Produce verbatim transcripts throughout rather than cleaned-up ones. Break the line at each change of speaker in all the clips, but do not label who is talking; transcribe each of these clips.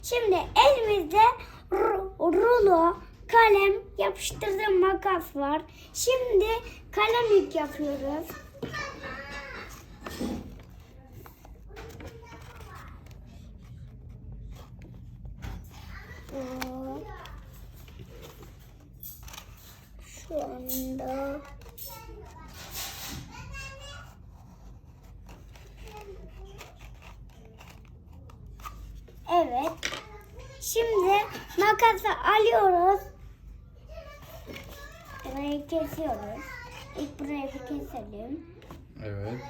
Şimdi elimizde rulo, kalem, yapıştırdığım makas var. Şimdi kalem yük yapıyoruz. Şu anda evet. Şimdi makası alıyoruz. Burayı kesiyoruz. İlk burayı bir keselim.
Evet.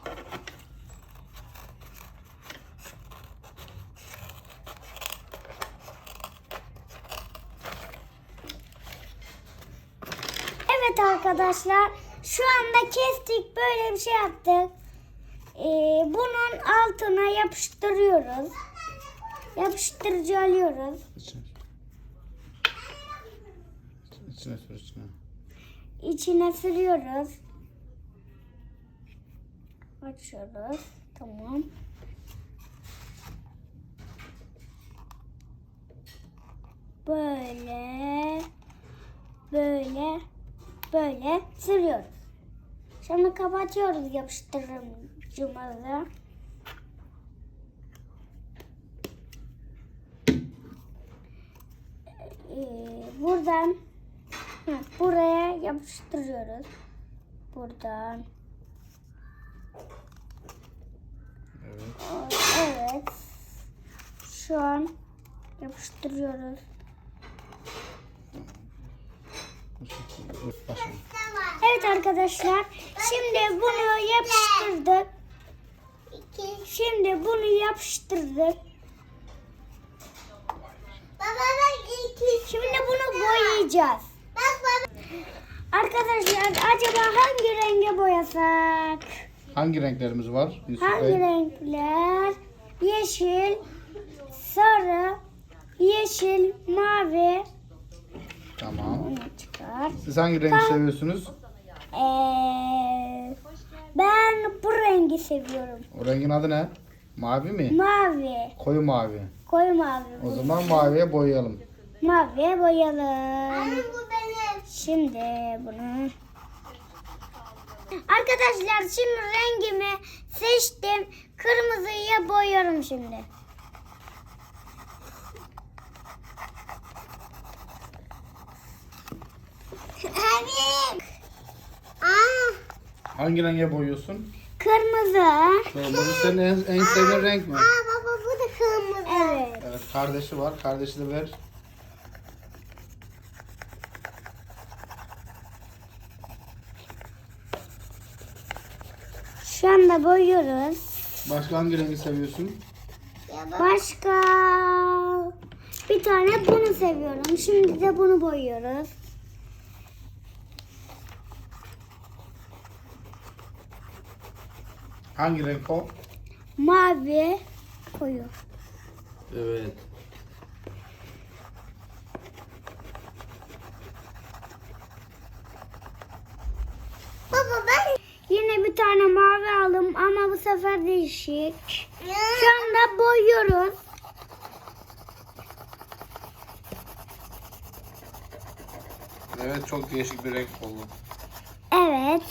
Evet arkadaşlar, şu anda kestik, böyle bir şey yaptık. Ee, bunun altına yapıştırıyoruz. Yapıştırıcı alıyoruz.
İçine. İçine sür içine.
İçine sürüyoruz. Açıyoruz. Tamam. Böyle böyle böyle sürüyoruz. Şimdi kapatıyoruz yapıştırıcımızı. Ee, buradan hı, buraya yapıştırıyoruz. Buradan.
Evet.
Evet. Şu an yapıştırıyoruz.
Başlayalım.
Evet arkadaşlar, şimdi bunu yapıştırdık. Şimdi bunu yapıştırdık. Şimdi bunu boyayacağız. Arkadaşlar, acaba hangi renge boyasak?
Hangi renklerimiz var? Yusuf
Hangi
Bey?
renkler? Yeşil, sarı, yeşil, mavi.
Tamam.
Bunu çıkar.
Siz hangi rengi seviyorsunuz?
Ee, ben bu rengi seviyorum.
O rengin adı ne? Mavi mi?
Mavi.
Koyu mavi.
Koyu mavi.
O zaman maviye boyayalım.
Maviye boyayalım. Şimdi bunu. Arkadaşlar, şimdi rengimi seçtim. Kırmızıya boyuyorum şimdi. Abi. Aa,
Hangi renge boyuyorsun?
kırmızı.
Kırmızı senin en, en sevdiğin renk mi?
Aa baba, bu da kırmızı. Evet.
Evet, kardeşi var. Kardeşi de ver.
Şu anda boyuyoruz.
Başka hangi rengi seviyorsun?
Başka bir tane bunu seviyorum. Şimdi de bunu boyuyoruz.
Hangi renk o?
Mavi koyu.
Evet.
Baba, ben yine bir tane mavi aldım ama bu sefer değişik. Şu anda boyuyoruz.
Evet, çok değişik bir renk oldu.
Evet.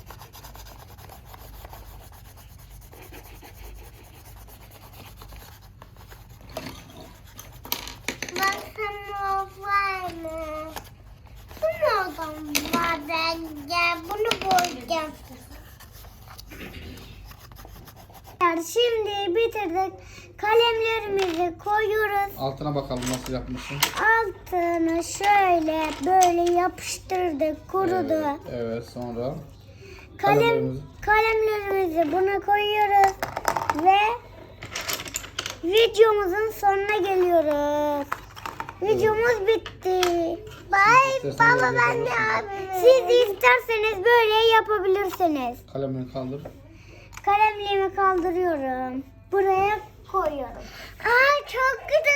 Baksana var mı? Bu nereden var bence? Bunu boyayacağım. Şimdi bitirdik. Kalemlerimizi koyuyoruz.
Altına bakalım nasıl yapmışsın.
Altını şöyle böyle yapıştırdık, kurudu.
Evet, evet, sonra
Kalem
kalemlerimizi-
kalemlerimizi buna koyuyoruz ve videomuzun sonuna geliyoruz. Videomuz bitti. Bye
İstersen
baba,
böyle
ben de
yapabilirsin.
abi. Siz de isterseniz böyle yapabilirsiniz.
kalemini kaldır.
Kalemliğimi kaldırıyorum. Buraya koyuyorum. Aa, çok güzel.